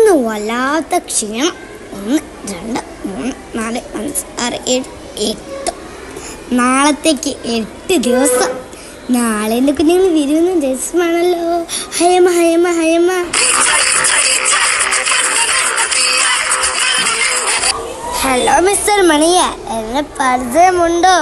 ഇന്ന് വല്ലാത്ത ക്ഷീണം. 1 2 3 4 5 6 7 8. നാളത്തേക്ക് 8 ദിവസം. നാളെ എൻ്റെ കുഞ്ഞുങ്ങൾ വരുന്ന ദിവസമാണല്ലോ. ഹയമ ഹയമ ഹയമ. ഹലോ മിസ്റ്റർ മണിയ, എന്നെ പരിചയമുണ്ടോ?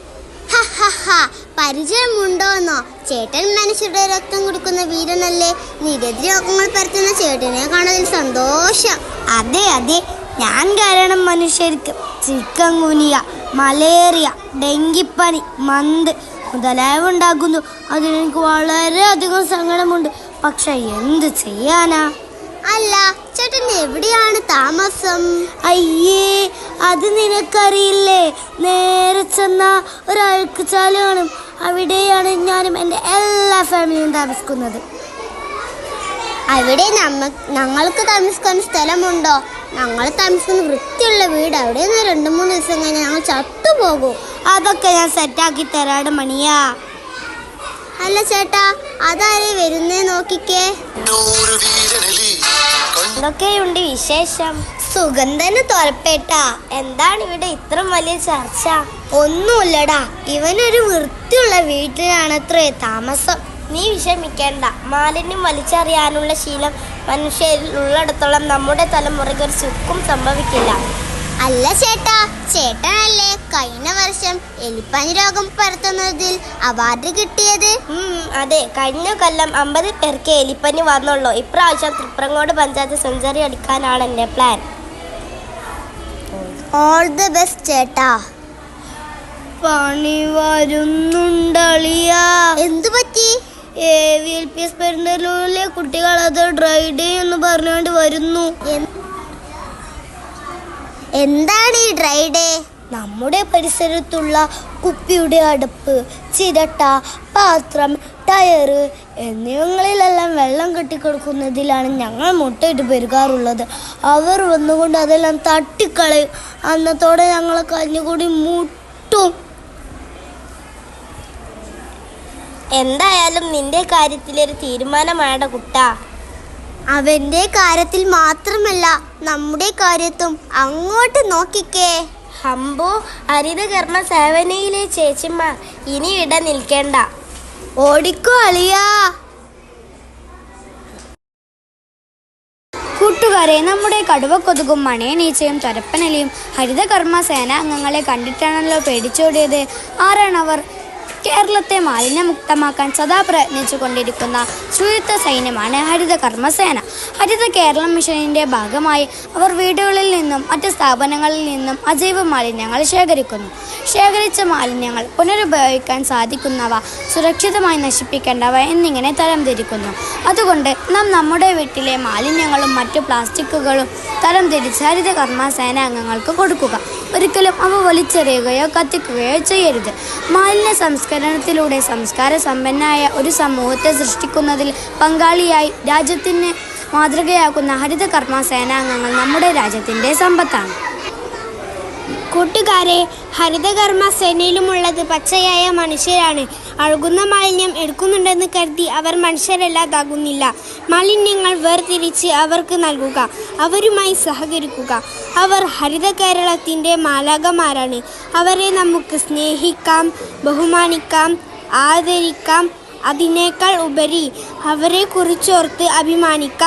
പരിചയമുണ്ടോന്നോ? ചേട്ടൻ മനുഷ്യരുടെ രക്തം കൊടുക്കുന്ന വീരനല്ലേ. നിരവധി രോഗങ്ങൾ പരത്തുന്ന ചേട്ടനെ കാണാൻ സന്തോഷം. അതെ അതെ, ഞാൻ കാരണം മനുഷ്യർക്ക് ചിക്കൻ ഗുനിയ, മലേറിയ, ഡെങ്കിപ്പനി, മന്ത് മുതലായവ ഉണ്ടാകുന്നു. അതിനെനിക്ക് വളരെയധികം സങ്കടമുണ്ട്. പക്ഷെ എന്ത് ചെയ്യാനാ? അല്ല, ചേട്ടൻ എവിടെയാണ് താമസം? അയ്യേ, അത് നിനക്കറിയില്ലേ? നേരെ ചെന്ന ഒരാൾക്ക് ചാല് കാണും. അവിടെയാണ് ഞാനും എൻ്റെ എല്ലാ ഫാമിലിയും താമസിക്കുന്നത്. അവിടെ ഞങ്ങൾക്ക് താമസിക്കാൻ സ്ഥലമുണ്ടോ? ഞങ്ങൾ താമസിക്കുന്ന വൃത്തിയുള്ള വീട്. അവിടെ നിന്ന് 2-3 ദിവസം കഴിഞ്ഞാൽ ഞങ്ങൾ ചത്തുപോകും. അതൊക്കെ ഞാൻ സെറ്റാക്കി തരാട് മണിയാ. അല്ല ചേട്ടാ, അതാരേ വരുന്നേ നോക്കിക്കേ. എന്തൊക്കെയുണ്ട് വിശേഷം? സുഗന്ധന് തുറപ്പേട്ട. എന്താണ് ഇവിടെ ഇത്ര വലിയ ചർച്ച? ഒന്നുമില്ലടാ, ഇവനൊരു വൃത്തിയുള്ള വീട്ടിലാണത്രേ താമസം. നീ വിഷമിക്കേണ്ട. മാലിന്യം വലിച്ചെറിയാനുള്ള ശീലം മനുഷ്യരിൽ ഉള്ളിടത്തോളം നമ്മുടെ തലമുറയ്ക്ക് ഒരു സുഖം സംഭവിക്കില്ല. അല്ല ചേട്ടാ, ചേട്ടനല്ലേ കഴിഞ്ഞ വർഷം എലിപ്പനി രോഗം പരത്തുന്നതിൽ അവാർഡ് കിട്ടിയത്? അതെ, കഴിഞ്ഞ കൊല്ലം 50 പേർക്ക് എലിപ്പനി വന്നുള്ളൂ. ഇപ്രാവശ്യം തൃപ്രങ്ങോട് പഞ്ചായത്ത് സെഞ്ചുറി അടിക്കാനാണ് എൻ്റെ പ്ലാൻ. ഓൾ ദി ബെസ്റ്റ് ചേട്ടാ. പണി വരുന്നുണ്ടളിയാ. എന്തു പറ്റി? AVLPS പെരുന്തല്ലൂരിലെ കുട്ടികൾ അത് ഡ്രൈ ഡേ എന്ന് പറഞ്ഞുകൊണ്ട് വരുന്നു. എന്താണ് ഈ ഡ്രൈ ഡേ? നമ്മുടെ പരിസരത്തുള്ള കുപ്പിയുടെ അടപ്പ്, ചിരട്ട, പാത്രം, ടയറ് എന്നിവങ്ങളിലെല്ലാം വെള്ളം കെട്ടിക്കിടക്കുന്നതിലാണ് ഞങ്ങൾ മുട്ടയിട്ട് പെരുകാറുള്ളത്. അവർ വന്നുകൊണ്ട് അതെല്ലാം തട്ടിക്കളയും. അന്നത്തോടെ ഞങ്ങളെ കഞ്ഞുകൂടി മുട്ടും. എന്തായാലും നിന്റെ കാര്യത്തിലൊരു തീരുമാനമാണ കുട്ടാ. അവന്റെ കാര്യത്തിൽ മാത്രമല്ല, നമ്മുടെ കാര്യത്തും അങ്ങോട്ട് നോക്കിക്കേ. ഹംബോ, ഹരിതകർമ്മ സേവനയിലെ ചേച്ചിമാർ ഇനി ഇട നിൽക്കേണ്ട. ഓടിക്കോ അളിയാ. കൂട്ടുകാരെ, നമ്മുടെ കടുവക്കൊതുകും മണയനീച്ചയും തൊരപ്പനലിയും ഹരിതകർമ്മ സേനാ അംഗങ്ങളെ കണ്ടിട്ടാണല്ലോ പേടിച്ചോടിയത്. ആരാണവർ? കേരളത്തെ മാലിന്യമുക്തമാക്കാൻ സദാ പ്രയത്നിച്ചു കൊണ്ടിരിക്കുന്ന ശുചിത്വ സൈന്യമാണ് ഹരിതകർമ്മസേന. ഹരിത കേരളം മിഷനിൻ്റെ ഭാഗമായി അവർ വീടുകളിൽ നിന്നും മറ്റ് സ്ഥാപനങ്ങളിൽ നിന്നും അജൈവ മാലിന്യങ്ങൾ ശേഖരിക്കുന്നു. ശേഖരിച്ച മാലിന്യങ്ങൾ പുനരുപയോഗിക്കാൻ സാധിക്കുന്നവ, സുരക്ഷിതമായി നശിപ്പിക്കേണ്ടവ എന്നിങ്ങനെ തരംതിരിക്കുന്നു. അതുകൊണ്ട് നാം നമ്മുടെ വീട്ടിലെ മാലിന്യങ്ങളും മറ്റു പ്ലാസ്റ്റിക്കുകളും തരംതിരിച്ച് ഹരിതകർമ്മ സേനാംഗങ്ങൾക്ക് കൊടുക്കുക. ഒരിക്കലും അവ വലിച്ചെറിയുകയോ കത്തിക്കുകയോ ചെയ്യരുത്. മാലിന്യ സംസ്കരണത്തിലൂടെ സംസ്കാര സമ്പന്നമായ ഒരു സമൂഹത്തെ സൃഷ്ടിക്കുന്നതിൽ പങ്കാളിയായി രാജ്യത്തിന് മാതൃകയാക്കുന്ന ഹരിതകർമ്മ സേനാംഗങ്ങൾ നമ്മുടെ രാജ്യത്തിൻ്റെ സമ്പത്താണ്. കൂട്ടുകാരെ, ഹരിതകർമ്മ സേനയിലുമുള്ളത് പച്ചയായ മനുഷ്യരാണ്. അഴുകുന്ന മാലിന്യം എടുക്കുന്നുണ്ടെന്ന് കരുതി അവർ മനുഷ്യരല്ലാതാകുന്നില്ല. മാലിന്യങ്ങൾ വേർതിരിച്ച് അവർക്ക് നൽകുക, അവരുമായി സഹകരിക്കുക. അവർ ഹരിത കേരളത്തിൻ്റെ മാലാഖമാരാണ്. അവരെ നമുക്ക് സ്നേഹിക്കാം, ബഹുമാനിക്കാം, ആദരിക്കാം. അതിനേക്കാൾ ഉപരി അവരെ കുറിച്ചോർത്ത് അഭിമാനിക്കാം.